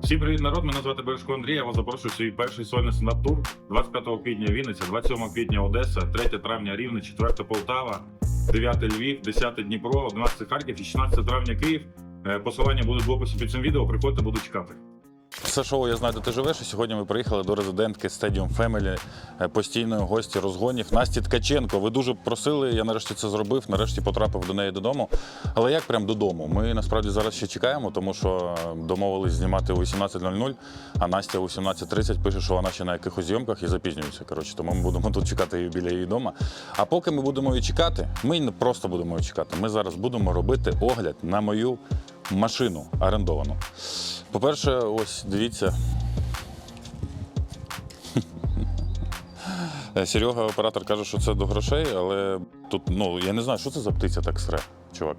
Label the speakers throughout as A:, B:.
A: Всім привіт, народ! Мене звати Бережко Андрій. Я вас запрошую в свій перший сольний стендап-тур. 25 квітня Вінниця, 27 квітня Одеса, 3 травня Рівне, 4 Полтава, 9 Львів, 10 Дніпро, 11 Харків і 16 травня Київ. Посилання будуть в описі під цим відео. Приходьте, буду чекати.
B: Це шоу «Я знаю, де ти живеш», і сьогодні ми приїхали до резидентки Stadium Family, постійної гості розгонів Насті Ткаченко. Ви дуже просили, я нарешті це зробив, нарешті потрапив до неї додому. Але як прям додому? Ми насправді зараз ще чекаємо, тому що домовились знімати о 18:00, а Настя о 18:30 пише, що вона ще на якихось зйомках і запізнюється. Коротше, тому ми будемо тут чекати її біля її дому. А поки ми будемо її чекати, ми не просто будемо її чекати, ми зараз будемо робити огляд на мою машину орендовану. По-перше, ось, дивіться. Серега, оператор, каже, що це до грошей, але тут, я не знаю, що це за птиця так сре, чувак.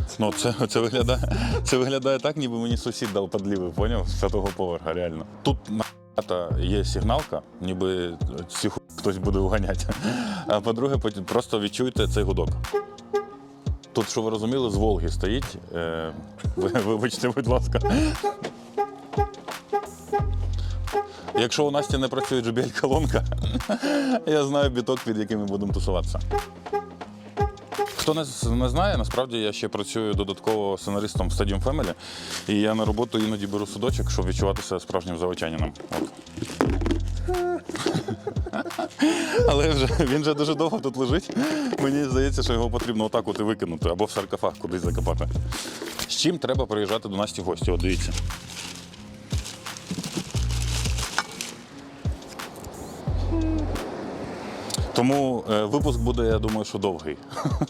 B: Це виглядає так, ніби мені сусід дав подліви, поняв? З 5-го поверха, реально. Тут є сигналка, ніби цю хтось буде уганяти. А по-друге, просто відчуйте цей гудок. Тут, що ви розуміли, з Волги стоїть. Вибачте, будь ласка. Якщо у Насті не працює JBL-колонка, я знаю біток, під яким ми будемо тусуватися. Хто не знає, насправді я ще працюю додатково сценаристом в Stadium Family, і я на роботу іноді беру судочок, щоб відчуватися справжнім заводчанином. Але він вже дуже довго тут лежить. Мені здається, що його потрібно отак от і викинути, або в саркофаг кудись закопати. З чим треба приїжджати до Насті в гості? От дивіться. Тому випуск буде, я думаю, що довгий.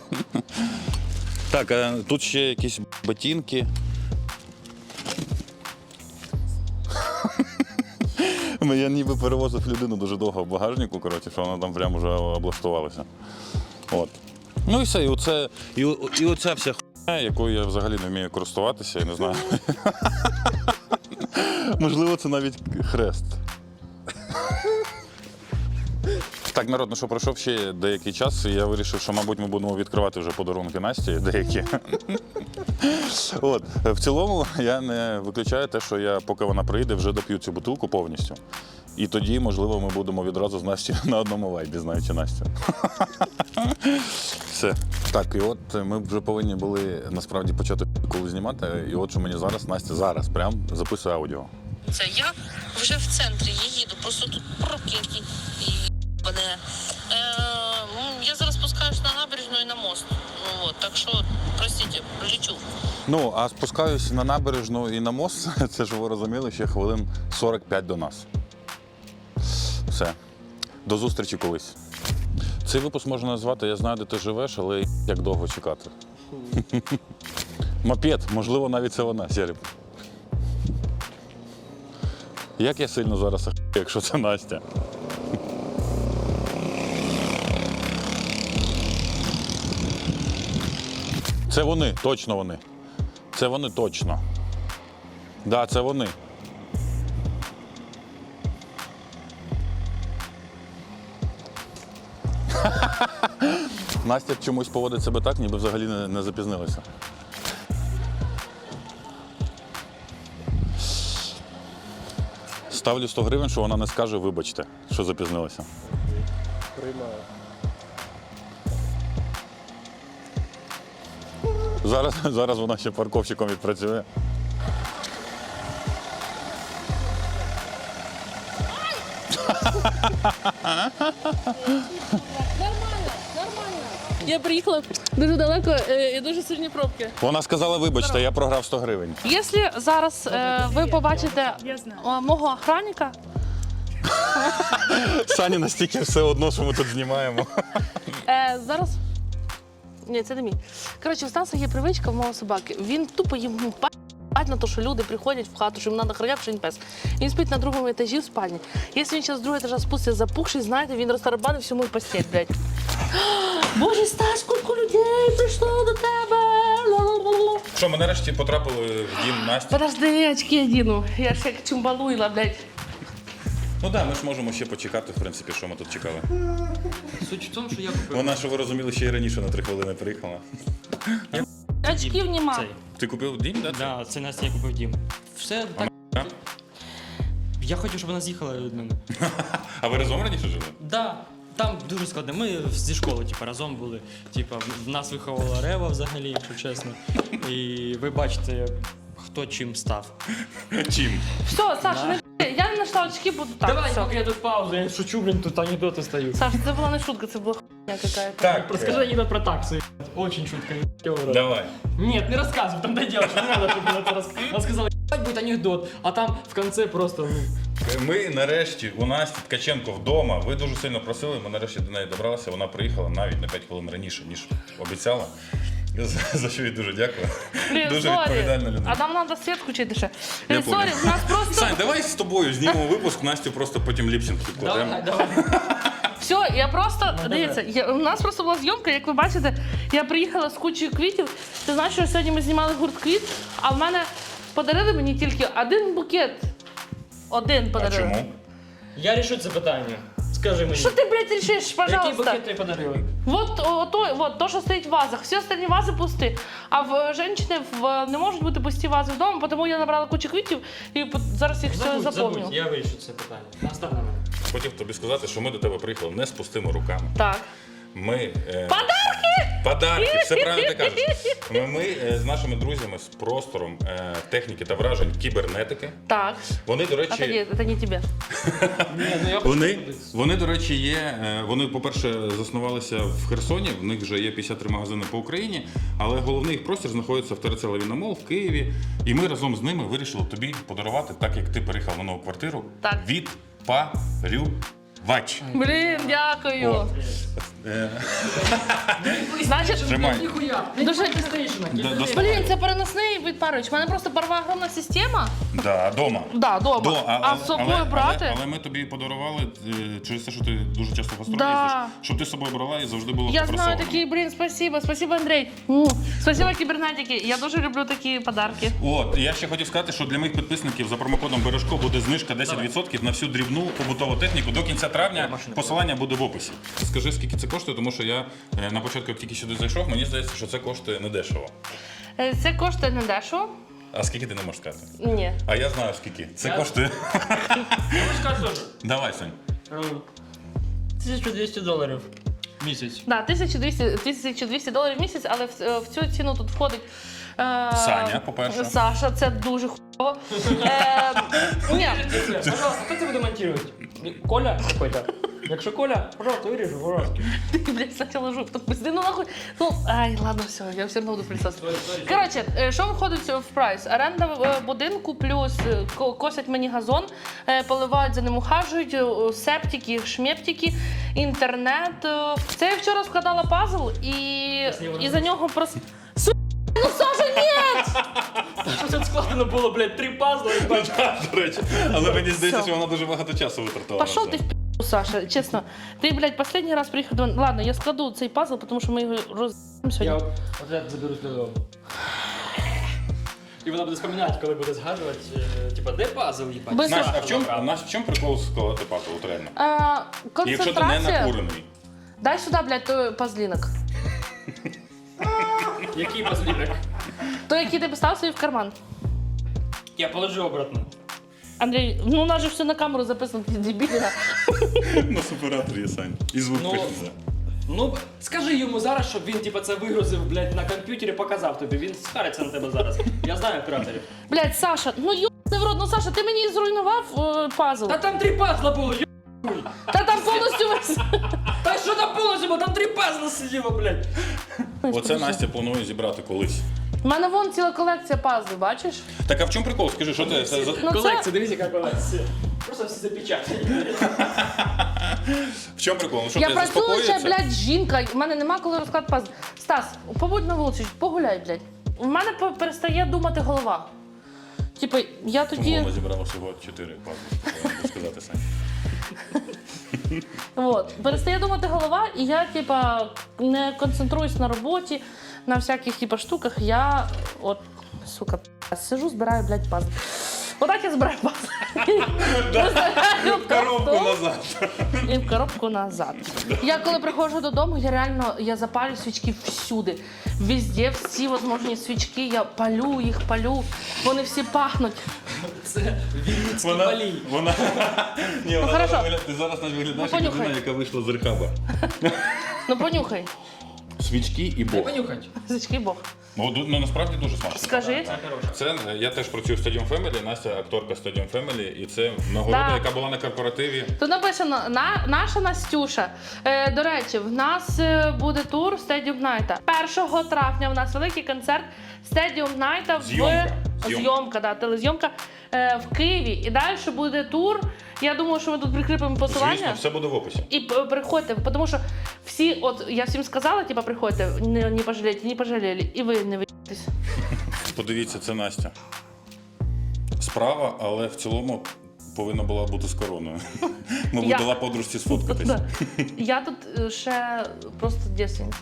B: Так, а тут ще якісь ботинки. Я ніби перевозив людину дуже довго в багажнику, коротше, що вона там прямо вже облаштувалася. От. Ну і все, і оця вся хуйня, якою я взагалі не вмію користуватися, я не знаю. Можливо, це навіть хрест. Так, народ, що пройшов ще деякий час, і я вирішив, що, мабуть, ми будемо відкривати вже подарунки Насті деякі. От. В цілому, я не виключаю те, що я, поки вона приїде, вже доп'ю цю бутилку повністю. І тоді, можливо, ми будемо відразу з Настю на одному вайбі, знаючи Настю. Все. Так, і от ми вже повинні були, насправді, почати коли знімати. І от, що мені зараз прям записує аудіо.
C: Це я вже в центрі, я їду, просто тут пробки які. Я зараз спускаюсь на набережну і на мост. Так що, простите, лечу.
B: А спускаюсь на набережну і на мост, це ж ви розуміли, ще хвилин 45 до нас. Все. До зустрічі колись. Цей випуск можна назвати «Я знаю, де ти живеш», але як довго чекати. Мопед, можливо, навіть це вона, Сереб. Як я сильно зараз ахую, якщо це Настя. Це вони, точно вони. Це вони точно. Да, це вони. Настя чомусь поводить себе так, ніби взагалі не запізнилася. Ставлю 100 гривень, що вона не скаже «вибачте», що запізнилася.
D: Приймаю.
B: Зараз вона ще парковщиком відпрацює.
E: Нормально. Я приїхала дуже далеко і дуже сильні пробки.
B: Вона сказала «вибачте», я програв 100 гривень.
E: Якщо зараз ви побачите мого охранника,
B: Сані настільки все одно, що ми тут знімаємо.
E: зараз... Ні, це не мій. Коротше, у Стаса є привичка в мого собаки. Він тупо йому пать на те, що люди приходять в хату, що їм треба охороняти, що він пес. Він спить на другому етажі в спальні. Якщо він зараз з другого етажа спуститься запухший, знаєте, він розтарабанив всю мою постіль, блядь. Боже, Стас, скільки людей прийшло до тебе!
B: Що, ми нарешті потрапили в дім Насті?
E: Подожди, очки одіну. Я ж як чумбалуйла, блядь.
B: Ну так, ми ж можемо ще почекати, в принципі, що ми тут чекали.
D: Суть в тому, що я купив.
B: Вона, що ви розуміли, ще й раніше на 3 хвилини приїхала.
E: Очків нема.
D: Цей.
B: Ти купив дім, так?
D: Да, це Настя, я купив дім. Все так. Я хотів, щоб вона з'їхала від мене.
B: А ви разом раніше жили?
D: Да, там дуже складно. Ми зі школи разом були. В нас виховувала Рева взагалі, якщо чесно. І ви бачите, хто чим став.
B: Чим?
E: Все, Саша, не б***ь, я не знайшла очки, буду так.
D: Давай,
E: все.
D: поки я тут паузу, я шучу, блін, тут анекдоти стають.
E: Саша, це була не шутка, це була хуйня какая-то.
B: Так,
D: Розкажи анекдот про таксу. Очень шутка.
B: давай.
D: Нет, не рассказывай, там доделаешь, не надо, чтобы она это рассказала. Она сказала, ебать будет анекдот, а там в конце просто,
B: Ми нарешті у Насті Ткаченко вдома. Ви дуже сильно просили, ми нарешті до неї добралися. Вона приїхала навіть на 5 хвилин раніше, ніж обіцяла. За що їй дуже дякую.
E: Блін,
B: Дуже
E: сорі.
B: відповідальна людина.
E: А нам треба світ включити ще.
B: Я
E: Сорі,
B: понял.
E: в нас просто...
B: Сань, давай з тобою знімемо випуск, Настю просто потім ліпсинг підкладемо.
D: давай.
E: Все, я просто,
D: Ну,
E: дивіться, у нас просто була зйомка, як ви бачите, я приїхала з кучою квітів. Ти знаєш, що сьогодні ми знімали гурт квіт, а в мене подарили мені тільки один букет. Один
B: А
E: подарили.
B: чому?
D: Я решу це питання. Скажи мені.
E: Що ти, блядь, рішиш,
D: Який
E: пожалуйста?
D: букет тобі подарили?
E: Вот то, що стоїть в вазах. Всі остальні вази пусті. А в жінки не можуть бути пусті вази вдома, тому я набрала кучу квітів і зараз їх все заповню.
D: Забудь, я вирішу це питання. Остав на мене.
B: Хотів тобі сказати, що ми до тебе приїхали не з пустими руками.
E: Так.
B: Ми... Подарки! Все правильно ти кажеш. Ми з нашими друзями, з простором техніки та вражень кібернетики.
E: Так.
B: Вони, до
E: А
B: речі,
E: тоді, це не тебе.
D: Ні, ну я хочу
B: Вони, до речі, є. Вони, по-перше, заснувалися в Херсоні. В них вже є 53 магазини по Україні, але головний їх простір знаходиться в ТРЦ Лавіна Мол в Києві. І ми разом з ними вирішили тобі подарувати, так як ти переїхав на нову квартиру,
E: Так.
B: відпарювач.
E: Блін, дякую.
B: От.
E: Значить,
B: Тримай.
D: Ніхуя.
E: Дуже-
B: Достань.
E: блін, це переносний відпарювач. У мене просто парова огромна система.
B: Да, дома.
E: Да, дома. А з собою брати?
B: Але ми тобі подарували через те, що ти дуже часто в гастролі
E: Да.
B: їздиш, щоб ти з собою брала і завжди було
E: Я
B: попросовано.
E: знаю такие, блин, спасибо, Андрей. Спасибо, кибернетики. Я дуже люблю такі подарки.
B: От, я ще хотів сказати, що для моїх підписників за промокодом Бережко буде знижка 10% на всю дрібну побутову техніку до кінця травня. Посилання буде в описі. Скажи, скільки це коштує, тому що я на початку, як тільки сюди зайшов, мені здається, що це коштує недешево.
E: Це коштує не дешево.
B: А скільки ти не можеш сказати?
E: Ні.
B: А я знаю скільки. Це коштує. Давай, Сань.
D: $1200 місяць.
E: Да, $1200 в місяць, але в цю ціну тут входить
B: Саня, по-перше.
E: Саша, це дуже хуйово. Ні,
D: Пожалуйста, хто це буде монтувати? Коля какой-то? Якщо Коля, пожалуйста, виріжу, пожалуйста.
E: ти, блядь, спочатку жук, так пизди, ну нахуй. Ну, ай, ладно, все, я все одно буду присутствувати. Коротше, що входить в прайс? Оренда будинку плюс косять мені газон, поливають, за ним ухажують, септики, шмептики, інтернет. Це я вчора складала пазл і за нього просто... Ну, Саша, ні!
D: Що це складно було, блядь, 3 пазли і бачу.
B: До речі, але мені здається,
E: Все.
B: що вона дуже багато часу витратила.
E: Пошел
B: на
E: ты
B: це.
E: в пи***, Саша, честно. Ты, блядь, последний раз приехал... Ладно, я складу цей пазл, потому что мы его роз'їбемо
D: Я
E: сьогодні.
D: от я заберусь додому. І вона буде вспоминати, коли буде згадувати, типа, де пазл, їбать?
E: Без-
B: Настя, а в чому прикол складати пазл, от реально? Якщо ти не
E: Концентрація.
B: накурений.
E: Дай сюда, блядь, той пазлінок.
D: Який пазлінок?
E: Той, який ти поставив собі в карман.
D: Я положу обратно.
E: Андрій, ну у нас же все на камеру записано, ти дебіля.
B: На суператор є, Сань. І звук
D: Ну,
B: пишеться.
D: Ну, скажи йому зараз, щоб він типа це вигрузив, блядь, на комп'ютері, показав тобі. Він схариться на тебе зараз. Я знаю операторів.
E: Блядь, Саша, ну ёбаний в рот, ну Саша, ти мені зруйнував пазл.
D: Та там 3 пазла було,
E: Та там повністю весь.
D: Та що там повністю було? Там 3 пазла сиділо, блядь.
B: Оце Настя планує зібрати колись.
E: У мене вон ціла колекція пазлів, бачиш?
B: Так а в чому прикол? Скажи, що ти це за...
E: Ну,
D: Колекція, дивіться, яка колекція. Просто всі запечатані.
B: В чому прикол? Ну що,
E: Я
B: ти
E: працююча,
B: заспокоїться?
E: блядь, жінка, в мене нема коли розклад пазл. Стас, побудь на вулиці, погуляй, блядь. У мене перестає думати голова. Типу, я тоді...
B: Вона зібрала всього 4 пазли, можу сказати, Сань.
E: Вот. Перестає думати голова, і я, типа, не концентруюсь на роботі, на всяких типа штуках. Я от, сука, сижу, збираю, блядь, пазли. Отак я збираю пазли. Виставляю в
B: Коробку
E: картон
B: назад.
E: і в коробку назад. Я коли приходжу додому, я запалю свічки всюди. Везде всі возможні свічки, я палю їх, вони всі пахнуть.
D: Це Вінницький
B: Вона,
D: валій.
B: вона, ні, вона
E: хорошо.
B: ти зараз не виглядаєш
E: Ну,
B: як
E: понюхай.
B: людина, яка вийшла з рехаба.
E: Ну понюхай.
B: Свічки і
D: Дай
B: Бог.
D: понюхать.
E: Зачки Бог.
B: Ну, насправді дуже смачно.
E: Скажи.
B: Це я теж працюю в Stadium Family, Настя акторка Stadium Family, і це нагорода,
E: Да.
B: яка була на корпоративі.
E: Тут написано наша Настюша. До речі, в нас буде тур Stadium Night. 1 травня в нас великий концерт Stadium Night
B: Зйомка.
E: Зйомка, да, телезйомка в Києві. І далі буде тур. Я думаю, що ми тут прикріпимо посилання.
B: Звісно, все буде в описі.
E: І приходьте, тому що всі, от я всім сказала, типа, приходьте, не пожалійте, не пожаліли, і ви не виїдетесь.
B: Подивіться, це Настя. Справа, але в цілому повинна була бути з короною. Мабуть,
E: Я-
B: дала подружці сфоткатись.
E: Да. Я тут ще просто дівчинка.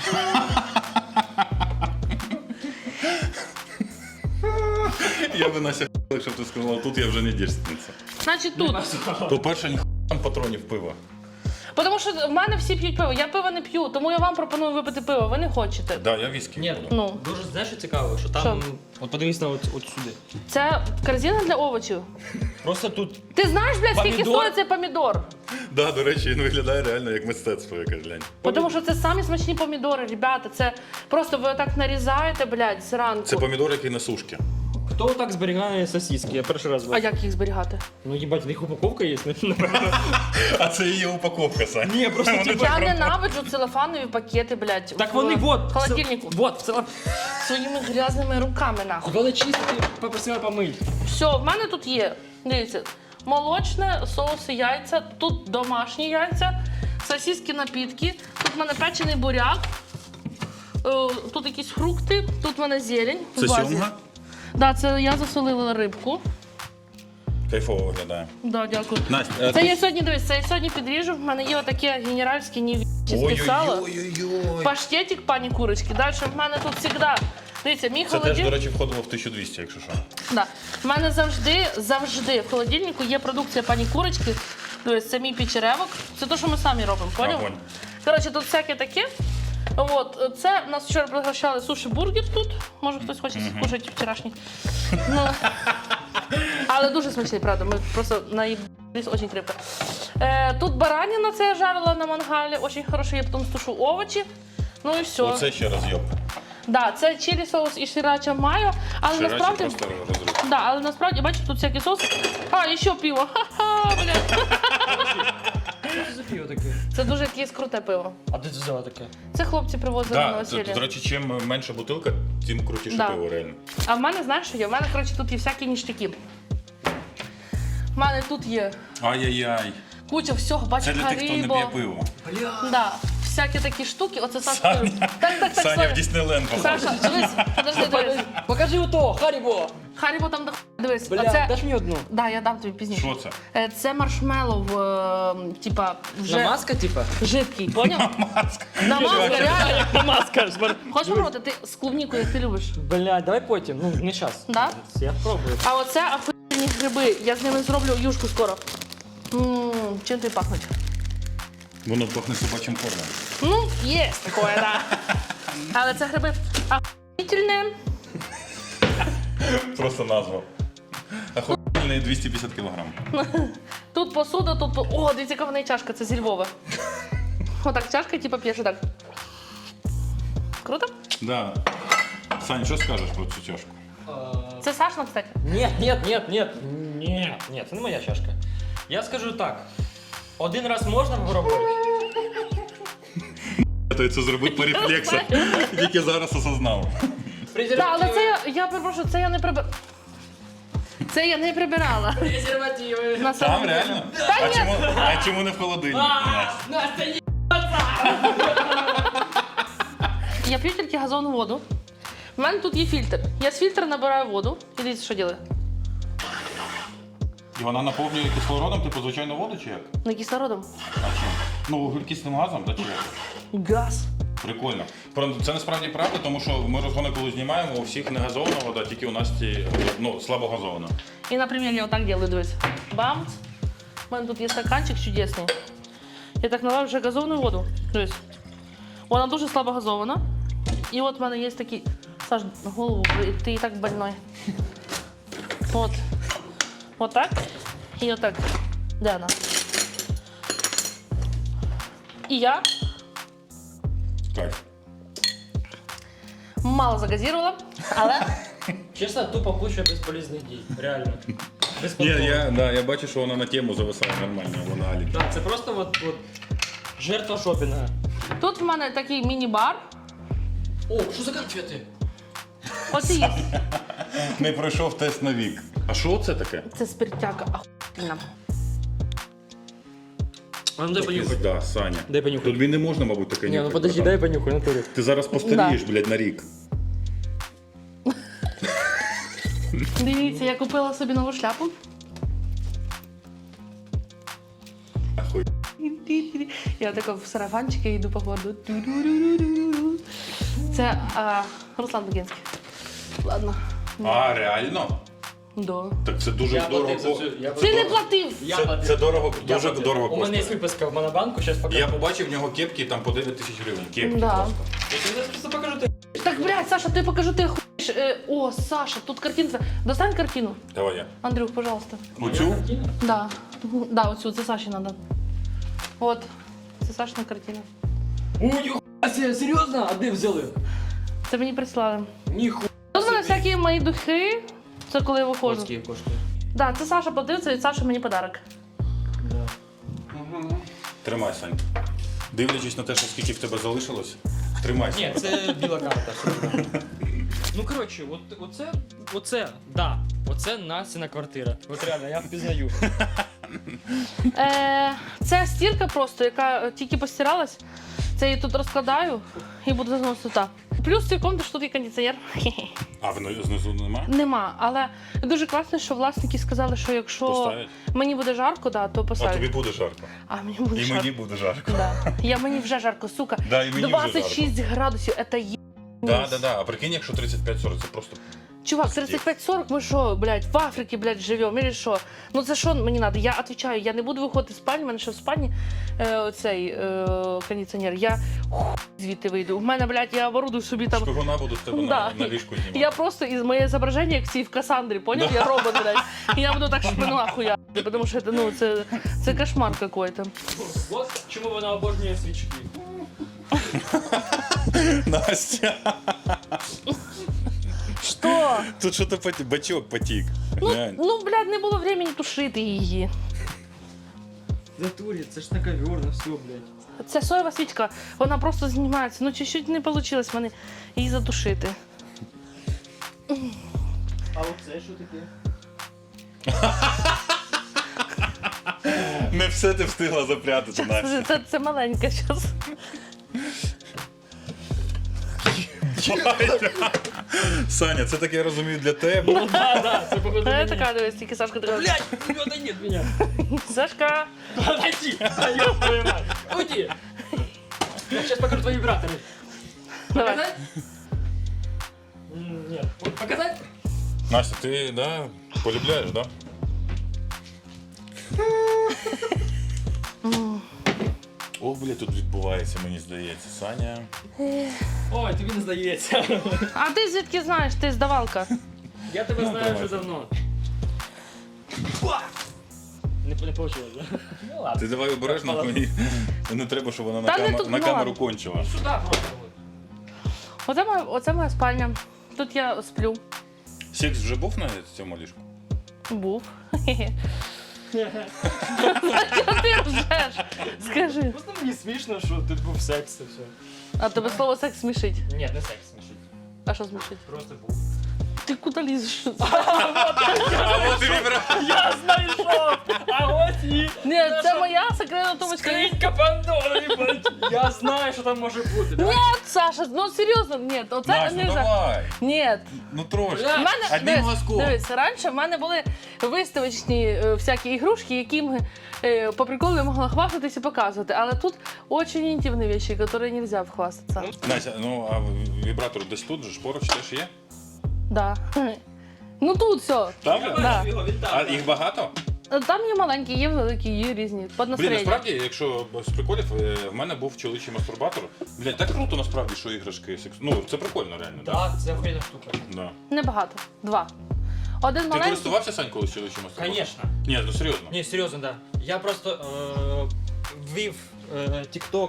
B: Я би Настя, якщо б ти сказала, тут я вже не дівчинниця.
E: Значить тут.
B: По-перше, ніхуя там патронів пива.
E: Тому що в мене всі п'ють пиво. Я пиво не п'ю, тому я вам пропоную випити пиво. Ви не хочете.
B: Да, я віскі
D: Ні,
B: буду.
E: Ну.
D: дуже знаєш, що цікаво, що там, от подивись на от сюди.
E: Це корзина для овочів.
D: Просто тут
E: Ти знаєш, блядь, скільки
D: Помідор?
E: стоїть цей помідор?
B: Да, до речі, він виглядає реально як мистецтво якесь, глянь.
E: Тому що це самі смачні помідори, ребята. Це просто ви так нарізаєте, блядь, зранку.
B: Це помідор, який на сушки.
D: хто так зберігає сосиски? Я перший раз
E: А
D: бачу.
E: як їх зберігати?
D: Ну їбать, в них упаковка є, напевно.
B: А це її упаковка, Сань.
D: Ні, просто типу.
E: Я ненавиджу целофанові пакети, блядь.
D: Так
E: в
D: вони вот.
E: холодильнику.
D: Вот, в цілому.
E: Своїми грязними руками, нахуй.
D: Коли чистити, попросила помить.
E: Все, в мене тут є. Дивіться, молочне, соуси, яйця, тут домашні яйця, сосиски, напітки, тут в мене печений буряк, тут якісь фрукти, тут в мене зелень. в
B: Це
E: вазі.
B: сьомга?
E: Да, це я засолила рибку.
B: Кайфово виглядає.
E: Да, дякую.
B: Настя,
E: Це я сьогодні дивись, це я сьогодні підріжу. В мене є отаке генеральське нівічне сало.
B: Ой-ой-ой.
E: Паштетик пані курочки. Далі в мене тут завжди. Дивіться, мій
B: Це теж,
E: холодильник.
B: до речі, входило в 1200, якщо що.
E: Да. В мене завжди в холодильнику є продукція пані курочки. Дивись, це мій печеревок. Це те, що ми самі робимо, поняв?
B: Огонь.
E: Коротше, тут всяке таке. От, це нас вчора пригощали суші-бургер тут. Може хтось хоче скушати вчорашній. Ну, але дуже смачний, правда. Ми просто наїбались дуже крепко. Тут баранина, це я жарила на мангалі. Дуже хороший, я потім тушу овочі. Ну і все.
B: Оце ще раз йоп.
E: Да, це чилі соус і ширача майо, але
B: Ширачі
E: насправді.
B: просто розрив.
E: Да, але насправді, бачите, тут всякі соуси. А, і ще пиво. Ха-ха, блядь.
D: Що це за пиво таке?
E: Це дуже якесь круте пиво.
D: А де ти взяла таке?
E: Це хлопці привозили на
B: Да, це,
E: весілля.
B: до речі, чим менша бутилка, тим крутіше
E: Да.
B: пиво, реально.
E: А в мене, знаєш, що є? В мене, коротше, тут є всякі ніштяки. В мене тут є
B: Ай-яй-яй.
E: куча всього, бачиш,
B: Це для тих, хто не
E: Харибо.
B: п'є пиво.
E: Да, всякі такі штуки. Оце Саша.
B: Саня,
E: Так,
B: Саня в
E: Саня.
B: Діснейленд попав.
E: Саша, дивись, подожди, дивись.
D: Покажи ото, Харібо!
E: Харибо там до дивись.
D: Бля,
E: Оце...
D: даш мені одну.
E: Да, я дам тобі пізніше.
B: Що це?
E: Це маршмеллоу, типа, вже
D: Намазка, типа?
E: жидкий, поняв?
B: Маска.
E: Намазка, реально.
D: Намазка.
E: Хочеш попробувати? Ти з клубнікою, як ти любиш.
D: Бля, давай потім, ну не час.
E: Да?
D: Я спробую.
E: А оце охуєнні гриби. Я з ними зроблю юшку скоро. Чим тобі пахнуть?
B: Воно пахне собачим кормом.
E: Ну, є таке, да. Але це гриби охуєнні.
B: Просто назва. Охуєнний 250 кг.
E: Тут посуда, тут... О, дивіться, яка в неї чашка, це зі Львова. Отак чашка, типу, п'єш так. Круто?
B: Да. Сань, що скажеш про цю чашку?
E: Це Сашна, кстати.
D: Ні, це не моя чашка. Я скажу так. Один раз можна попробувати?
B: Я це зробив по рефлексах. Тільки зараз осознав.
E: Так, але це я перепрошую, це я не прибирала. Це я не прибирала.
D: Презервативи.
E: На
B: Там
E: самом деле.
B: реально?
E: Та ні.
B: А чому не в холодильнику?
D: Настя,
E: Я п'ю тільки газовану воду. У мене тут є фільтр. Я з фільтра набираю воду. І дивіться, що ділаю.
B: І вона наповнює кислородом, типу звичайну воду чи як?
E: Не кислородом.
B: А чим? Ну, вуглекислим газом, та чи як?
E: Газ.
B: Прикольно. Це насправді правда, тому що ми розгони, коли знімаємо, у всіх не газована вода, тільки у Насті, ну, слабо газована.
E: І, наприклад, я отак делаю, дивись. Бамц. У мене тут є стаканчик чудесний. Я так наливаю вже газовану воду. Дивись. Вона дуже слабо газована. І от в мене є такий... Саш, голову, ти і так больной. От. Отак. І отак. Де вона? І я
B: Кайф.
E: мало загазірувала, але
D: Чесно, тупо куча безполезних дій. Реально.
B: Ні,
D: Безпонтово.
B: я бачу, що вона на тему зависає нормально, вона алік.
D: Так, це просто от жертва шопінга.
E: тут в мене такий міні-бар.
D: О, що за конфети?
E: От і є.
B: Не пройшов тест на вік. А що це таке?
E: Це спиртяка охуєнна.
D: А ну дай понюхай.
B: Да, Саня.
D: Дай понюхай.
B: Тобі не можна, мабуть, таке
D: Ні, ну
B: нюхати,
D: подожди,
B: братан.
D: дай понюхай, натурі.
B: Ти зараз постарієш, блядь, на рік.
E: Дивіться, я купила собі нову шляпу.
B: Ахуй.
E: Я така в сарафанчики йду по городу. Це Руслан Багінський. Ладно.
B: А, реально?
E: Да.
B: Так це дуже дорого.
E: Ти не платив!
B: Це дорого, дуже дорого
D: У мене є
B: коштує.
D: виписка в Монобанку, зараз покажу.
B: Я побачив в нього кепки там по 9 тисяч гривень. Кепки
E: Да.
B: просто.
D: Я тобі просто покажу ти.
E: Так, блядь, Саша, ти покажу, ти хуєш. О, Саша, тут картинка. Достань картину.
B: Давай я.
E: Андрюх, пожалуйста.
B: Оцю?
E: Да. Да, оцю, це Саші надо. От. Це Сашина картина.
D: Ой, серйозно? А де взяли?
E: Це мені прислали.
D: Ніхуя.
E: Тут в мене всякі мої духи. Це коли я виходжу.
D: Скільки коштує?
E: Да, це Саша платив, це від Саші мені подарок.
D: Да.
B: Тримай, Сань. Дивлячись на те, що скільки в тебе залишилось, тримайся.
D: Ні, це біла карта. Ну коротше, оце Настіна квартира. От реально, я впізнаю.
E: Це стірка просто, яка тільки постиралась. Це я тут розкладаю і буду заносити туди. Плюс в цій комнаті що тут є кондиціонер.
B: А знизу нема?
E: Нема, але дуже класно, що власники сказали, що якщо
B: Поставить?
E: мені буде жарко, да, то
B: А
E: поставлять.
B: тобі буде жарко.
E: А мені буде
B: І
E: жарко.
B: мені буде жарко.
E: Да. Мені вже жарко, сука.
B: Да, і мені вже
E: 26 градусів, це є.
B: Да. А прикинь, якщо 35-40, це просто...
E: Чувак, 35-40, ми що, блядь, в Африці, блядь, живемо, или що? Ну це що мені треба? Я відповідаю, я не буду виходити з спальні, в мене ще в спальні цей кондиціонер. Я звідти вийду. У мене, блядь, я оборудую собі там.
B: Шпигуна буду з тебе
E: Да.
B: на ліжку знімати.
E: Я просто із моє зображення, як всі в Кассандрі, поняв? Я робот, блядь. І я буду так шпину ахуяти, тому що це кошмар какой-то.
D: От чому вона обожнює свічки.
B: Настя,
E: Що?
B: тут що-то бачок потік. Глянь.
E: Ну, блядь, не було времени тушити її.
D: Натурі, це ж на ковер, на все, блядь.
E: Це соєва свічка, вона просто знімається. Ну, чуть-чуть не вийшло в мене її затушити.
D: А оце що таке?
B: Не все ти встигла запрятати, Настя.
E: Це маленька зараз.
B: Саня, це таке, я розумію, для тебе.
D: Ну да, це походу
E: Я
D: мені.
E: така, дивись, тільки Сашка така.
D: Блядь, да нет меня.
E: Сашка!
D: Подойди, да ёб твою мать. Уйди. Я сейчас покажу твои вибраторы.
E: Давай.
D: Показать? Нет. Вот показать?
B: Настя, ти, да, полюбляєш, да? О, бля, тут відбувається, мені здається. Саня.
D: Ой, тобі не здається.
E: А ти звідки знаєш? Ти здавалка.
D: Я тебе знаю
B: давай.
D: вже давно. Не получилось, да? Ну ладно.
B: Ти давай обережно, мені не треба, щоб вона
E: Та не тут,
B: на
E: ну,
B: камеру
E: ладно.
B: кончила.
D: Сюда просто.
E: Оце моя спальня. Тут я сплю.
B: Секс вже був на цьому ліжку?
E: Був. Чого ти ржеш? Скажи.
D: Просто мені смішно, що тут був секс і все.
E: А тебе слово секс смішить.
D: Ні, не секс смішить.
E: А що смішить?
D: Просто був.
E: Ти куди лізеш?
B: А от і
D: Я знайшов! А ось і...
E: Ні, це моя секретна тумочка.
D: Скринька Пандори, блядь. Я знаю, що там може бути.
E: Ні, Саша, ну серйозно, ні, оце
B: Настя,
E: не
B: ну давай.
E: Ні.
B: Ну трошки.
D: Бля,
E: В мене,
B: Одним глазком.
E: дивись, раніше в мене були виставочні всякі ігрушки, якими по приколу я могла хвастатись і показувати. Але тут дуже інтимні речі, які не можна вхвастатися.
B: Настя, ну а вібратор десь тут же ж поруч теж є?
E: Да. Ну тут все.
B: Там?
E: Да.
B: А їх багато?
E: Там є маленькі, є великі, є різні. Під
B: Блін,
E: настроєння.
B: насправді, якщо з приколів, в мене був чоловічий мастурбатор. Блін, так круто насправді, що іграшки секс. Ну, це прикольно реально, так?
D: Так, це охуєнна штука.
B: Да.
E: Небагато. 2. Один
B: Ти
E: маленький.
B: користувався, Сань, колись чимось?
D: Конечно.
B: Ні, ну серйозно.
D: Ні, серйозно, да. Я просто ввів TikTok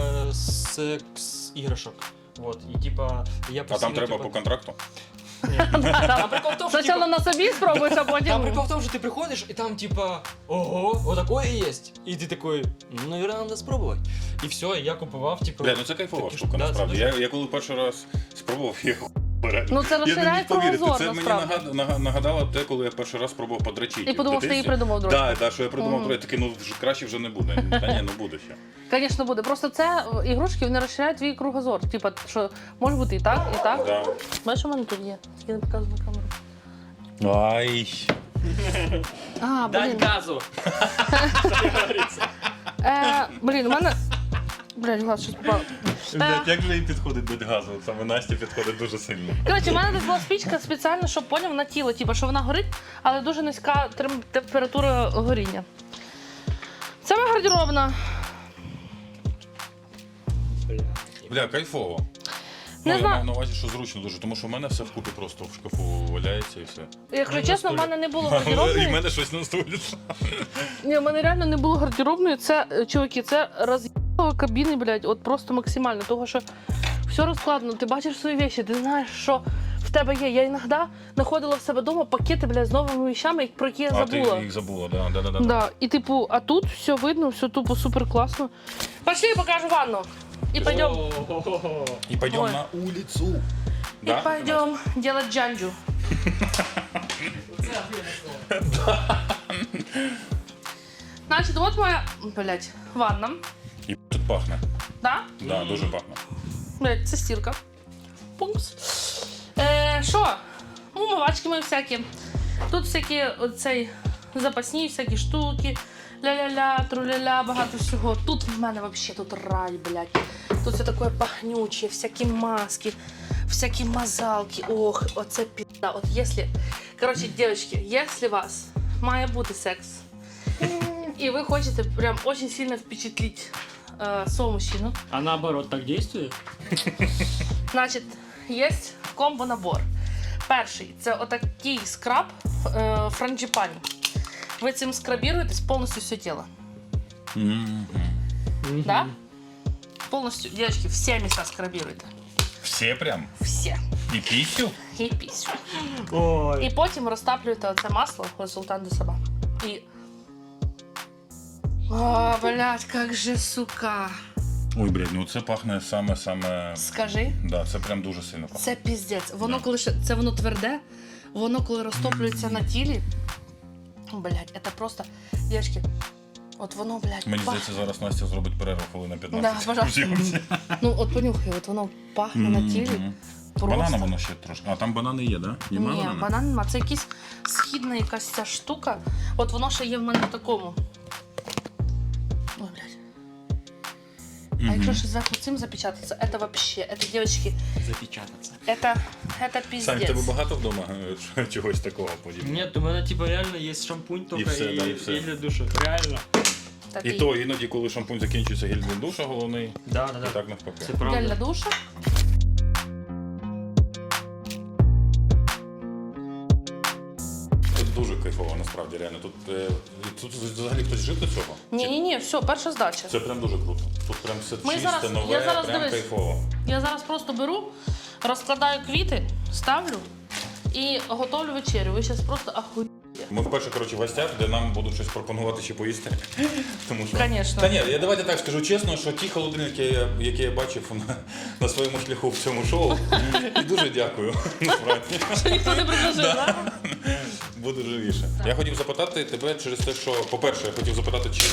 D: з іграшок. Вот, і типа я
B: А
D: постійно,
B: там треба
D: типа,
B: по контракту?
D: А прикол в тому, що,
E: Спочатку
D: типа,
E: на собі спробуєш, а потім...
D: там прикол в тому, що ти приходиш, і там типа, ого, вот такое есть. І ти такий, ну, наверное, надо спробувати. І все, і я купував, типа...
B: Бля, ну це кайфова
D: такі
B: штука,
D: да, це
B: насправді.
D: дуже-
B: Я коли перший раз спробував, я
E: Ну це
B: Я не
E: розширяє
B: міг повірити.
E: кругозор,
B: Це мені
E: насправді.
B: нагадало те, коли я перший раз спробував подрачити.
E: І подумав, що ти її придумав друг.
B: Так, да, що я придумав друге. Такий, ну вже краще вже не буде. Та ні, ну буде ще.
E: Звісно, буде. Просто це ігрушки, вони розширяють твій кругозор. Типа, що може бути і так, і так.
B: Да.
E: Бачиш, у мене тут є. Я не показую на камеру.
B: Ай.
E: А,
D: Дань
E: блін.
D: газу.
E: Блін, у мене... Блядь, глаз щось попав.
B: Як же їй підходить до газу? Саме Насті підходить дуже сильно.
E: Коротше, у мене десь була спічка спеціально, щоб поняв на тіло, типу, що вона горить, але дуже низька температура горіння. Це моя гардеробна.
B: Бля, кайфово.
E: Не
B: Ну, я
E: знаю.
B: маю на увазі, що зручно дуже, тому що в мене все вкупі просто в шкафу валяється і все.
E: Якщо чесно, в мене не було
B: І в
E: гардеробної.
B: мене щось на столі.
E: Ні, в мене реально не було гардеробної. Це, чуваки, це роз'їбало кабіни, блядь, от просто максимально. Того, що все розкладено, ти бачиш свої речі, ти знаєш, що в тебе є. Я іноді знаходила в себе вдома пакети, блядь, з новими вещами, про які я
B: А ти
E: забула.
B: їх забула, да.
E: Да, і типу, а тут все видно, все тупо супер класно. Пошли, покажу ванну. І пойдем.
B: І пойдемо
E: Ой.
B: на вулицю.
E: И пойдем делать джанджу. Значит, вот моя, блядь, ванна.
B: І тут пахне.
E: Да?
B: Да, дуже пахне.
E: Блядь, це стірка. Пункс. Що? Умивачки мої всякі. Тут всякі оцей запасні всякі штуки. Ля-ля-ля, тру-ля-ля, багато всього. Тут в мене вообще тут рай, блядь. Тут все таке пахнюче, всякі маски, всякі мазалки. Ох, оце пізда. От якщо... Коротше, дівчатки, якщо у вас має бути секс, і ви хочете прям очень сильно впечатлити свого мужчину,
D: А наоборот так действует?
E: значить, є комбо-набор. Перший – це отакий скраб франджипані. Ви цим скрабіруєтесь повністю все тіло. Да? Повністю, девочки, всі місця скрабіруєте.
B: Всі прям?
E: Всі.
B: І пісю?
E: І пісню.
D: Ой.
E: І потім розтаплюєте оце масло, результат до себе. І... О, блядь, как же, сука.
B: Ой, блядь, ну це пахне саме.
E: Скажи.
B: Да, це прям дуже сильно пахне.
E: Це піздець. Воно коли це воно тверде, воно коли розтоплюється на тілі. Блядь, це просто. Дівчатки, от воно, блядь,
B: Мені
E: пахне.
B: здається, зараз Настя зробить перерву хвилин на 15.
E: Да, пожалуйста. Ну, от понюхай, от воно пахне на тілі. Просто.
B: Банана воно ще трошки. А там банани є, да?
E: Ні, банан нема. Це якась східна якась ця штука. От воно ще є в мене в такому. Ой, блядь. А якщо ще зверху цим запечататься, це вообще, це, дівчатки,
D: Запечататься.
E: це піздець.
B: Сань, в тебе багато вдома чогось такого подібного?
D: Нет, у меня типа реально есть шампунь только
B: все, да, и все.
D: гель для душа. Реально.
E: Так,
B: І то іноді, коли шампунь закінчується, гель для душа головний,
D: Да.
B: і так навпаки.
D: Це
E: гель
D: правда.
E: для душа.
B: Тут дуже кайфово, насправді, реально. Тут взагалі хтось жив до цього?
E: Ні, все, перша здача.
B: Це прям дуже круто. Тут прям все
E: Ми
B: чисте,
E: зараз-
B: нове,
E: я зараз
B: прям
E: дивись.
B: кайфово.
E: Я зараз просто беру, розкладаю квіти, ставлю і готовлю вечерю. Ви зараз просто ахуєте.
B: Ми вперше, коротше, в гостях, де нам будуть щось пропонувати чи поїсти. Тому що...
E: Конечно.
B: Та ні, я давайте так скажу чесно, що ті холодильники, які я бачив на своєму шляху в цьому шоу, і дуже дякую. Насправді.
E: Що ніхто не предложив, так?
B: Буде живіше. Я хотів запитати тебе через те, що, по-перше, я хотів запитати, чи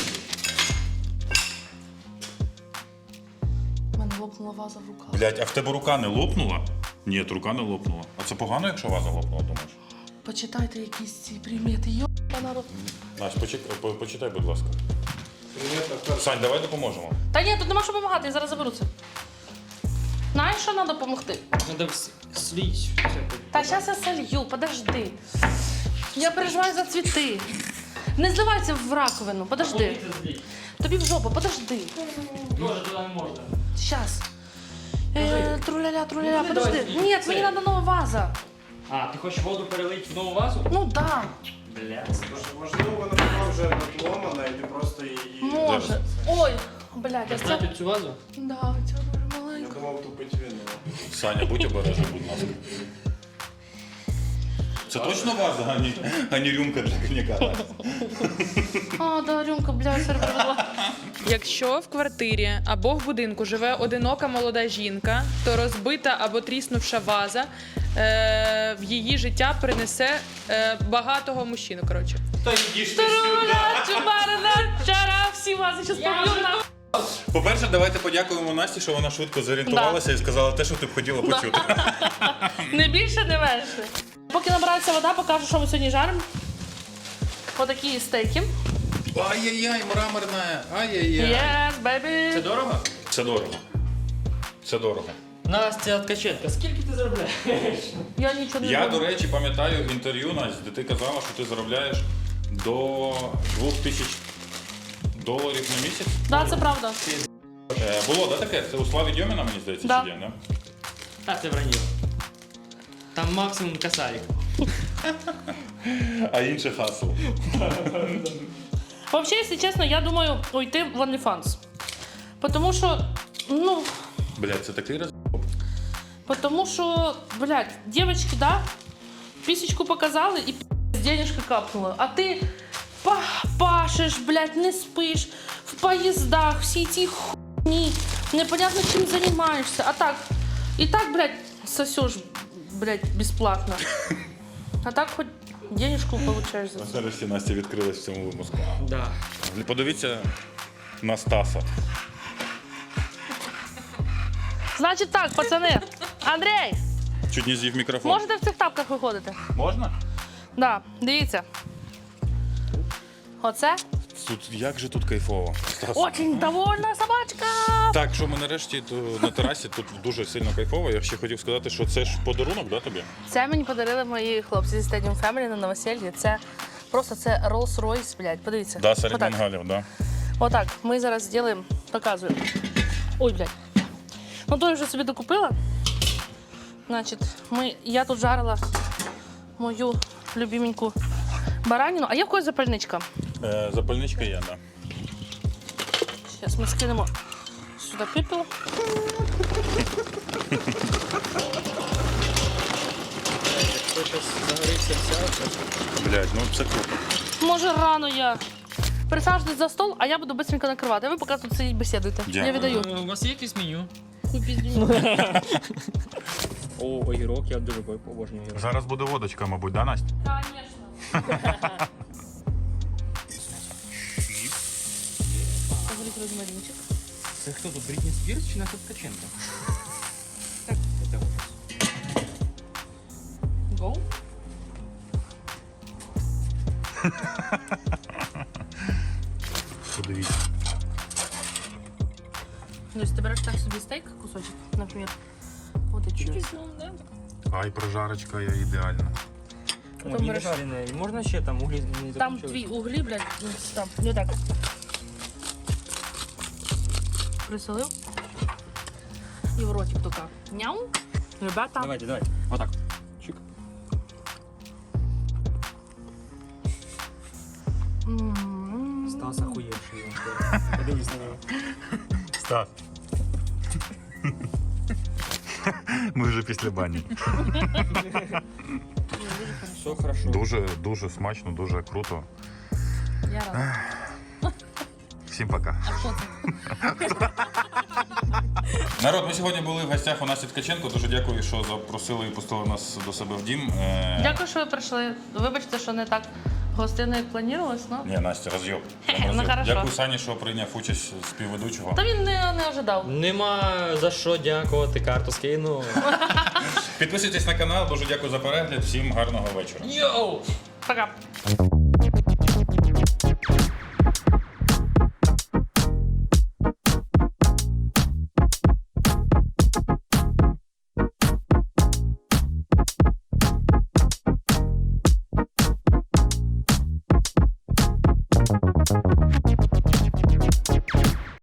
E: У мене лопнула ваза в руках.
B: блядь, а в тебе рука не лопнула? Ні, рука не лопнула. А це погано, якщо ваза лопнула, думаєш?
E: Почитайте якісь ці примети. Йоба народ.
B: Настя, почитай, будь ласка. Сань, давай допоможемо.
E: Та ні, тут нема що допомагати, я зараз заберу це. Знаєш, що треба допомогти?
D: Надо слить всякую.
E: Та зараз я солью, подожди. Я переживаю за цвіти. Не зливайся в раковину, подожди. Тобі в жопу, подожди.
D: Тоже туда не можно.
E: Сейчас. Труля-ля, подожди. Нет, мені треба нова ваза.
D: А, ти хочеш воду перелити в нову вазу?
E: Ну да,
D: Блядь.
F: Можливо, вона була вже надломана, і ти просто її...
E: може. Ой, блядь, а це...
D: Знаєте цю вазу?
E: Да, ця дуже
F: Я
E: маленька.
F: думав, тупить віно.
B: Саня, будь обережний, будь ласка. Це точно ваза, а не рюмка для коньяка?
E: А, да, рюмка, блядь, сервірувала.
G: Якщо в квартирі або в будинку живе одинока молода жінка, то розбита або тріснувша ваза в її життя принесе багатого мужчину. Коротше.
B: Та йдіть ти
E: Таруля, чубарина, чара, всі вази щас поб'ю на...
B: По-перше, давайте подякуємо Насті, що вона швидко зорієнтувалася і сказала те, що ти б хотіла почути.
E: Не більше, не менше. Поки набирається вода, покажу, що ми сьогодні жаримо. Отакі стейки.
B: Ай-яй-яй, мраморна, ай-яй-яй.
E: Yes, baby.
D: Це дорого?
B: Це дорого. Це дорого.
D: Настя Ткаченко, скільки ти заробляєш?
E: Я нічого не
B: Я,
E: роблю.
B: до речі, пам'ятаю інтерв'ю, Настя, де ти казала, що ти заробляєш до $2000 на місяць.
E: Да, це правда.
B: Було, да, таке? Це у Славі Дьоміна, мені здається,
E: Да.
B: чи є, да?
D: А, це враньо. Там максимум косарик.
B: А інше хасл.
E: Вообще, если честно, я думаю уйти в OnlyFans. Потому что, ну,
B: Блядь, це такий раз.
E: потому что, блядь, девочки, да, писечку показали и денежка капнула. А ты пашешь, блядь, не спишь, в поездах, все эти хуйни, непонятно чем занимаешься. А так, и так, блядь, сосешь, блядь, бесплатно. А так хоть денежку получаешь за це.
B: Нарешті Настя відкрилась в цьому випуску.
D: Да.
B: Подивіться на Стаса.
E: Значить так, пацани. Андрій,
B: Чуть не з'їв мікрофон.
E: можете в цих тапках виходити?
B: Можна?
E: Да, дивіться. Оце
B: Тут, як же тут кайфово. Стас.
E: очень довольна собачка.
B: Так, що ми нарешті на терасі, тут дуже сильно кайфово. Я ще хотів сказати, що це ж подарунок, да, тобі?
E: Це мені подарили мої хлопці зі Stadium Family на новосіллі. Це просто це Rolls-Royce, блядь, подивіться.
B: Да, серед
E: Отак.
B: мангалів, да.
E: Отак, ми зараз зробимо, показуємо. Ой, блядь. Ну, то я вже собі докупила. Значить, я тут жарила мою любименьку баранину. А є в когось запальничка?
B: Запальничка є, да.
E: Зараз ми скинемо сюди пепел.
D: Хто зараз загорівся вся.
B: Блядь, ну це круто.
E: Може, рано я. Присаджуйтесь за стол, а я буду швидко накривати. А ви поки тут сидіть бесідуйте. Я
B: Дякую.
E: віддаю.
D: У вас є якесь меню?
E: Хуй піздюню.
D: О, огірок, я дуже обожнюю огірок.
B: Зараз буде водочка, мабуть, да, Настя?
E: Конечно. Говорить розмаринчик.
D: Це хто тут, Брітні Спірс чи Настя Ткаченко? Так, це ужас.
E: Гоу.
B: Подивіться.
E: Ну, если ты берешь так себе стейк, кусочек, например, вот и чуть-чуть, да?
B: Ай, прожарочка я ідеальна.
E: Потім
D: не
E: береш-
D: жарене. Можна ще там углі не
E: Там
D: закінчились?
E: твои угли, блядь, ну, там, вот так. Присолил. И в ротик только. Няу. Ребята.
D: Давайте. Отак. Чик.
E: М-м-м.
D: Стас охуєвший. Подивись на нього.
B: Стас. Ми вже після бані.
D: Все хорошо.
B: Дуже смачно, дуже круто.
E: Я рада.
B: Всім пока.
E: А что ты?
B: Народ, ми сьогодні були в гостях у Насті Ткаченко. Дуже дякую, що запросили і пустили нас до себе в дім.
E: Дякую, що ви прийшли. Вибачте, що не так гостинно, як планувалось, но...
B: Ні, Настя, роз'єб.
E: Ну, хорошо.
B: Дякую Сані, що прийняв участь співведучого.
E: Та він не ожидав.
D: Нема за що дякувати, карту скину.
B: Підписуйтесь на канал, дуже дякую за перегляд. Всім гарного вечора.
D: Йоу!
E: Пока.